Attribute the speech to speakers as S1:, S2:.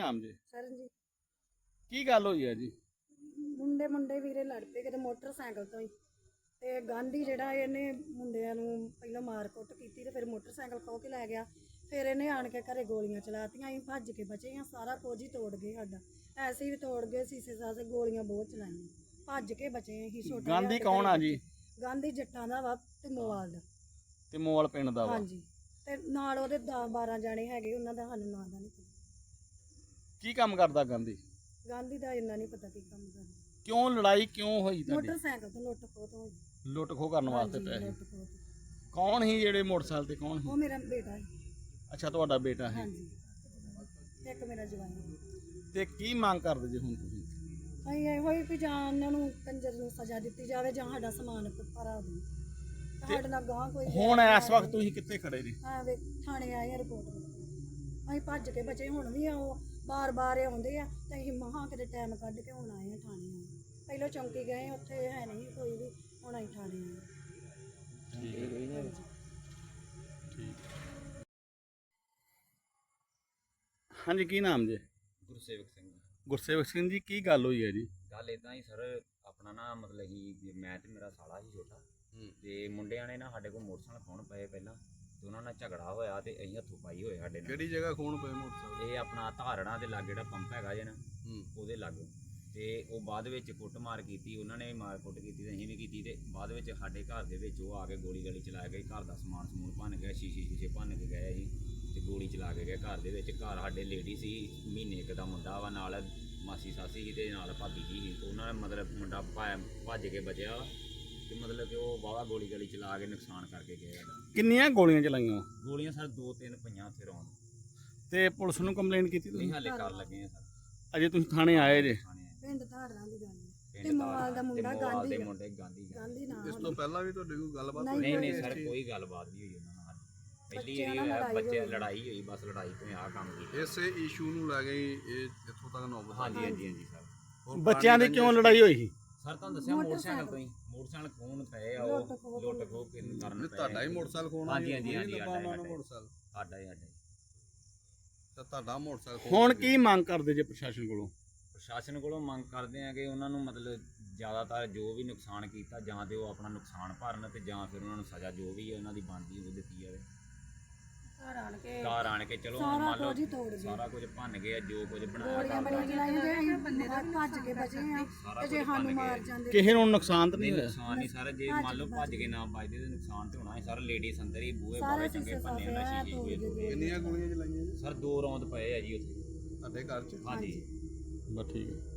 S1: ਨਾਮ ਜੀ?
S2: ਸਰਨਜੀਤ।
S1: ਕੀ ਗੱਲ ਹੋਈ ਹੈ ਜੀ?
S2: ਮੁੰਡੇ ਵੀਰੇ ਲੜ ਪਏ ਕਿਤੇ ਮੋਟਰਸਾਈਕਲ ਤੋਂ ਹੀ, ਤੇ ਗਾਂਧੀ ਜਿਹੜਾ ਇਹਨੇ ਮੁੰਡਿਆਂ ਨੂੰ ਪਹਿਲਾਂ ਮਾਰ ਕੁੱਟ ਕੀਤੀ ਤੇ ਫਿਰ ਮੋਟਰਸਾਈਕਲ ਖੋਹ ਕੇ ਲੈ ਗਿਆ। ਫਿਰ ਇਹਨੇ ਆਣ ਕੇ ਘਰੇ ਗੋਲੀਆਂ ਚਲਾਤੀਆਂ। ਅਸੀਂ ਭੱਜ ਕੇ ਬਚੇ ਹਾਂ, ਸਾਰਾ ਕੁਝ ਹੀ ਤੋੜ ਗਏ ਸਾਡਾ, ਐਸੇ ਵੀ ਤੋੜ ਗਏ, ਸੀਸੇ ਸਾਸੇ, ਗੋਲੀਆਂ ਬਹੁਤ ਚਲਾਈਆਂ, ਭੱਜ ਕੇ ਬਚੇ ਅਸੀਂ। ਛੋਟਾ
S1: ਗਾਂਧੀ ਕੌਣ ਆ ਜੀ?
S2: ਗਾਂਧੀ ਜੱਟਾਂ ਦਾ ਵਾ ਤੇ ਮੋਵਾਲ ਦਾ।
S1: ਤੇ ਮੋਵਾਲ ਪਿੰਡ ਦਾ ਵਾ?
S2: ਹਾਂਜੀ, ਤੇ ਨਾਲ ਉਹਦੇ 10-12 ਜਾਣੇ ਹੈਗੇ, ਉਹਨਾਂ ਦਾ ਸਾਨੂੰ ਨਾਂ ਦਾ ਨਹੀਂ ਪਤਾ।
S1: ਕੀ ਕੰਮ ਕਰਦਾ ਗਾਂਧੀ?
S2: ਗਾਂਧੀ ਦਾ ਇੰਨਾ ਨਹੀਂ ਪਤਾ ਕੀ ਕੰਮ ਕਰਦਾ।
S1: ਕਿਉਂ ਲੜਾਈ ਕਿਉਂ ਹੋਈ ਤੁਹਾਡੀ?
S2: ਮੋਟਰਸਾਈਕਲ ਤੋਂ ਲੁੱਟ ਖੋਹ ਤੋਂ ਹੋਈ।
S1: ਲੁੱਟ ਖੋਹ ਕਰਨ ਵਾਸਤੇ
S2: ਹਾਂਜੀ,
S1: ਪੈਸੇ?
S2: ਲੁੱਟ ਖੋਹ ਤੋਂ।
S1: ਕੌਣ ਸੀ ਜਿਹੜੇ ਮੋਟਰਸਾਈਕਲ ਤੇ? ਕੌਣ ਸੀ?
S2: ਉਹ ਮੇਰਾ ਬੇਟਾ ਹੈ।
S1: ਅੱਛਾ, ਤੁਹਾਡਾ ਬੇਟਾ ਹੈ।
S2: ਹਾਂਜੀ, ਇੱਕ ਮੇਰਾ ਜਵਾਈ ਹੈ।
S1: ਤੇ ਕੀ ਮੰਗ ਕਰਦੇ ਜੀ ਹੁਣ ਤੁਸੀਂ?
S2: ਅਸੀਂ ਇਹੋ ਹੀ ਵੀ ਜਾਂ ਉਹਨਾਂ ਨੂੰ ਕੰਜਰ ਨੂੰ ਸਜ਼ਾ ਦਿੱਤੀ ਜਾਵੇ ਜਾਂ ਸਾਡਾ ਸਮਾਨ ਭਰਾ ਦੇ। ਸਾਡੇ ਨਾਲ ਗਾਂ ਕੋਈ
S1: ਹੁਣ ਇਸ ਵਕਤ ਤੁਸੀਂ ਕਿੱਥੇ ਖੜੇ ਜੀ?
S2: ਵੇ ਥਾਣੇ ਆਏ ਆ ਰਿਪੋਰਟ ਲਈ। ਅਸੀਂ ਭੱਜ ਕੇ ਬਚੇ, ਹੁਣ ਵੀ ਉਹ ਬਾਰ-ਬਾਰ ਆਉਂਦੇ ਆ ਤੇ ਅਸੀਂ ਮਹਾਂ ਕਿਤੇ ਟਾਈਮ ਕੱਢ ਕੇ ਹੁਣ ਆਏ ਆ ਥਾਣੇ ਆਏ। ਪਹਿਲਾਂ ਚੌਂਕੀ ਗਏ, ਉੱਥੇ ਹੈ ਨਹੀਂ ਕੋਈ ਵੀ, ਹੁਣ ਅਸੀਂ ਥਾਣੇ ਆਏ।
S1: ਹਾਂਜੀ, ਕੀ ਨਾਮ ਜੀ?
S3: ਗੁਰਸੇਵਕ ਸਿੰਘ।
S1: ਗੁਰਸੇਵਕ ਸਿੰਘ ਜੀ, ਕੀ ਗੱਲ ਹੋਈ ਹੈ ਜੀ?
S3: ਗੱਲ ਇਦਾਂ ਹੀ ਸਰ, ਆਪਣਾ ਨਾ ਮਤਲਬ ਹੀ ਮੈਂ ਤੇ ਮੇਰਾ ਸਾਲਾ ਸੀ ਛੋਟਾ, ਤੇ ਮੁੰਡਿਆਂ ਨੇ ਨਾ ਸਾਡੇ ਕੋਲ ਮੋਟਰਸਾਈਕਲ ਖੋਣ ਪਏ ਪਹਿਲਾਂ, ਤੇ ਉਹਨਾਂ ਨਾਲ ਝਗੜਾ ਹੋਇਆ ਤੇ ਅਸੀਂ ਹੱਥੋਂ ਪਾਈ ਹੋਏ ਸਾਡੇ ਨਾਲ।
S1: ਕਿਹੜੀ ਜਗ੍ਹਾ ਖੋਣ ਪਏ ਮੋਟਰਸਾਈਕਲ?
S3: ਇਹ ਆਪਣਾ ਧਾਰੜਾਂ ਦੇ ਲਾਗੇ ਜਿਹੜਾ ਪੰਪ ਹੈਗਾ ਜੇ ਨਾ, ਉਹਦੇ ਲਾਗੇ। ਤੇ ਉਹ ਬਾਅਦ ਵਿੱਚ ਕੁੱਟਮਾਰ ਕੀਤੀ, ਉਹਨਾਂ ਨੇ ਮਾਰ ਕੁੱਟ ਕੀਤੀ ਤੇ ਅਸੀਂ ਵੀ ਕੀਤੀ, ਤੇ ਬਾਅਦ ਵਿੱਚ ਸਾਡੇ ਘਰ ਦੇ ਵਿੱਚ ਉਹ ਆ ਕੇ ਗੋਲੀ ਗਾਲੀ ਚਲਾ ਗਏ। ਘਰ ਦਾ ਸਮਾਨ ਸਮੂਨ ਭੰਨ ਗਿਆ, ਸ਼ੀਸ਼ੇ ਭੰਨ ਕੇ ਗਏ ਜੀ, ਤੇ ਗੋਲੀ ਚਲਾ ਕੇ ਗਏ ਘਰ ਦੇ ਵਿੱਚ। ਘਰ ਸਾਡੇ ਲੇਡੀ ਸੀ, ਮਹੀਨੇ ਇੱਕ ਦਾ ਮੁੰਡਾ ਵਾ, ਨਾਲ ਮਾਸੀ ਸਾਸੀ ਸੀ ਤੇ ਨਾਲ ਭਾਬੀ ਜੀ ਸੀ। ਉਹਨਾਂ ਨੇ ਮਤਲਬ ਮੁੰਡਾ ਭੱਜ ਕੇ ਬਚਿਆ, ਤੇ ਮਤਲਬ ਕਿ ਉਹ ਬਾਹਲਾ ਗੋਲੀ ਗਾਲੀ ਚਲਾ ਕੇ ਨੁਕਸਾਨ ਕਰਕੇ ਗਏ ਸਾਡਾ।
S1: ਕਿੰਨੀਆਂ ਗੋਲੀਆਂ ਚਲਾਈਆਂ?
S3: ਗੋਲੀਆਂ ਸਰ 2-3 ਪਈਆਂ ਉੱਥੇ ਰੌਣ।
S1: ਤੇ ਪੁਲਿਸ ਨੂੰ ਕੰਪਲੇਂਟ ਕੀਤੀ ਤੁਸੀਂ?
S3: ਨਹੀਂ ਹਾਲੇ ਕਰ ਲੱਗੇ ਆ ਸਰ।
S1: ਅਜੇ ਤੁਸੀਂ ਥਾਣੇ ਆਏ ਜੇ?
S2: ਪਿੰਡ ਧਾਰਾਂ ਦੀ ਗੱਲ ਹੈ, ਤੇ ਮੋਵਾਲ ਦਾ ਮੁੰਡਾ ਗਾਂਧੀ ਆ। ਗਾਂਧੀ ਨਾਮ।
S1: ਇਸ ਤੋਂ ਪਹਿਲਾਂ ਵੀ ਤੁਹਾਡੀ ਕੋਈ ਗੱਲਬਾਤ
S2: ਹੋਈ?
S3: ਨਹੀਂ ਸਰ, ਕੋਈ ਗੱਲਬਾਤ ਨਹੀਂ ਹੋਈ ਉਹਨਾਂ ਨਾਲ। ਪਹਿਲੀ ਵਾਰੀ ਬੱਚੇ ਲੜਾਈ ਹੋਈ, ਬਸ ਲੜਾਈ ਤੋਂ ਆਹ ਕੰਮ ਕੀਤਾ।
S1: ਇਸੇ ਇਸ਼ੂ ਨੂੰ ਲੈ ਕੇ ਇਹ ਇੱਥੋਂ ਤੱਕ ਨੌਬਤ?
S3: ਹਾਂਜੀ ਸਰ।
S1: ਬੱਚਿਆਂ ਦੀ ਕਿਉਂ ਲੜਾਈ ਹੋਈ ਸੀ?
S3: ਸਰ ਤੁਹਾਨੂੰ ਦੱਸਿਆ ਮੋਟਰਸਾਈਕਲ ਤੋਂ ਹੀ, ਮੋਟਰਸਾਈਕਲ ਖੋਣ ਪਏ ਆ, ਉਹ ਲੁੱਟ ਖੋਹ ਕਰਨ ਪਏ।
S1: ਤੁਹਾਡਾ ਹੀ ਮੋਟਰਸਾਈਕਲ ਖੋਣਾ?
S3: ਹਾਂਜੀ
S1: ਮੋਟਰਸਾਈਕਲ
S3: ਸਾਡਾ ਹੀ।
S1: ਤਾਂ ਤੁਹਾਡਾ ਮੋਟਰਸਾਈਕਲ ਹੁਣ ਕੀ ਮੰਗ ਕਰਦੇ ਜੇ ਪ੍ਰਸ਼ਾਸਨ ਕੋਲੋਂ?
S3: ਪ੍ਰਸ਼ਾਸਨ ਕੋਲੋਂ ਮੰਗ ਕਰਦੇ ਆ ਕਿ ਉਹਨਾਂ ਨੂੰ ਮਤਲਬ ਜ਼ਿਆਦਾਤਰ ਜੋ ਵੀ ਨੁਕਸਾਨ ਕੀਤਾ, ਜਾਂ ਤੇ ਉਹ ਆਪਣਾ ਨੁਕਸਾਨ ਭਰਨ, ਤੇ ਜਾਂ ਫਿਰ ਉਹਨਾਂ ਨੂੰ ਸਜ਼ਾ ਜੋ ਵੀ ਉਹਨਾਂ ਦੀ ਬਣਦੀ ਉਹ ਦਿੱਤੀ ਜਾਵੇ। ਘਰ ਆਣ ਕੇ ਚਲੋ ਮੰਨ ਲਓ ਸਾਰਾ ਕੁਝ ਭੰਨ ਗਏ, ਜੋ ਕੁਝ ਬਣਾਇਆ
S2: ਭੱਜ ਕੇ ਬਚੇ ਆ, ਤੇ ਜੇ ਸਾਨੂੰ ਮਾਰ ਜਾਂਦੇ
S1: ਕਿਸੇ ਨੂੰ ਨੁਕਸਾਨ ਤਾਂ ਨਹੀਂ ਹੋਇਆ?
S3: ਨੁਕਸਾਨ ਨਹੀਂ ਸਰ, ਜੇ ਮੰਨ ਲਓ ਭੱਜ ਕੇ ਨਾ ਵੱਜਦੇ ਤੇ ਨੁਕਸਾਨ ਤੇ ਹੋਣਾ ਹੈ ਸਰ। ਲੇਡੀਜ਼ ਅੰਦਰ ਹੀ ਬੂਹੇ ਬਾਰੇ ਚੰਗੇ ਭੰਨੇ ਉਹਨਾਂ ਸ਼ੀਸ਼ੇ ਤੋੜੇ।
S1: ਕਿੰਨੀਆਂ ਗੋਲੀਆਂ ਚਲਾਈਆਂ ਜੀ?
S3: ਸਰ 2 ਰੌਂਦ ਪਏ ਆ ਜੀ ਉੱਥੇ
S1: ਤੁਹਾਡੇ ਘਰ 'ਚ?
S3: ਹਾਂਜੀ।
S1: ਬਸ ਠੀਕ ਹੈ।